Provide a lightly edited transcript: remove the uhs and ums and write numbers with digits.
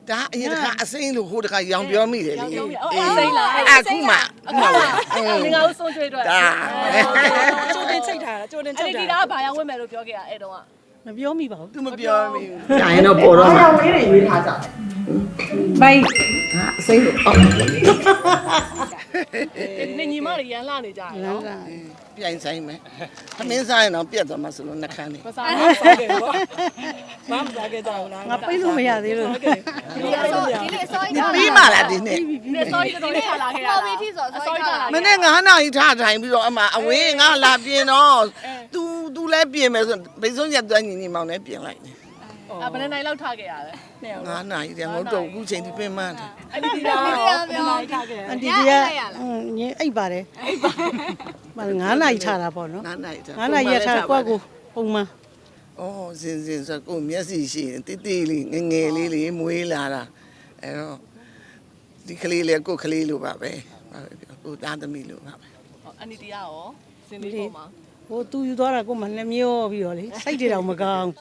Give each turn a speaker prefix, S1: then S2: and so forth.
S1: ဒါအရင်တစ်ခါအစိမ်းလို့ဟိုတစ်ခါရောင်ပြောမိတယ်လေ
S2: အစိမ်းလား
S1: အခုမှ
S2: ငါ့ကိုဆုံးကျွေးတော့
S1: ဒါ
S3: ကျိုးတင်ချိတ်ထားတာကျိုးတင်ချိ
S2: အဲ့
S3: တ်
S2: ဒီ
S3: ထား
S2: ဒါကဘာရောက်ဝင်မယ်လို့ပြောခဲ့ရအဲ့တော့က
S3: မပြောမိပါဘူး
S1: သူမပြောမိဘူးညာရင်တော့ပေါ်တော့မှာဝေးတွေရွေးထားကြတယ်
S3: ဘိုင်း
S1: ဟာအစိမ်းလို့အော်
S2: နေညီမတွေရန်လာနေကြတယ်နော်
S1: ပြိုင်ဆိုင်မယ်သမင်းစားရင်တော့ပြတ်သွားမှာဆိုလို့နှခမ်းနေ
S2: မစားဘူးစားခဲ့ပေါ့
S3: မမစားခဲ့ကြဘူးလားငါပိတ်လို့မရသေးလို့
S2: ဒီနေ့အစောကြီး
S1: ပြီးမှလားဒီနေ့
S2: ဒီနေ့စောကြီးတော်တော်ထားလာခဲ့ရတာပေါ်ပြီးထိဆိုအစောကြီးထားလာ
S1: မနေ့9နာရီထားထိုင်ပြီးတော့အမအဝေးငါလာပြင်တော့ तू လည်းပြင်မယ်ဆိုဘိဆုံးရက်သွန်းညီညီမောင်လည်းပြင်လိုက်တယ်
S2: ဘယ်နှစ်လောက်ထားခဲ့ရလဲ
S1: 9နာရီတည်းငုတ်တော့အခုချိန်ဒီပြင်မှန်းတယ်
S2: အဲ့ဒီဒါပြောထားခဲ့
S3: အန်တီကညအိပ်ပါတယ်မ9နာရီထားတာပေါ့နော်
S1: 9နာရီထား
S3: 9နာရီထားကွက်ကိုပုံမှန်
S1: အော်စင်ဆိုကိုမျက်စိရှိရင်တိတိလေးငငယ်လေးလေးမွေးလာတာအဲ့တော့ဒီကလေးလေးကိုကလေးလိုပါပဲကိုသားသမီးလိုပါပဲ
S2: အန်တီတရားရောစင်လေးပေါ်မှာ
S3: ဟိုသူယူသွားတာကိုမှနှမျောပြီးတော့လေစိတ်တွေတော့မကောင်း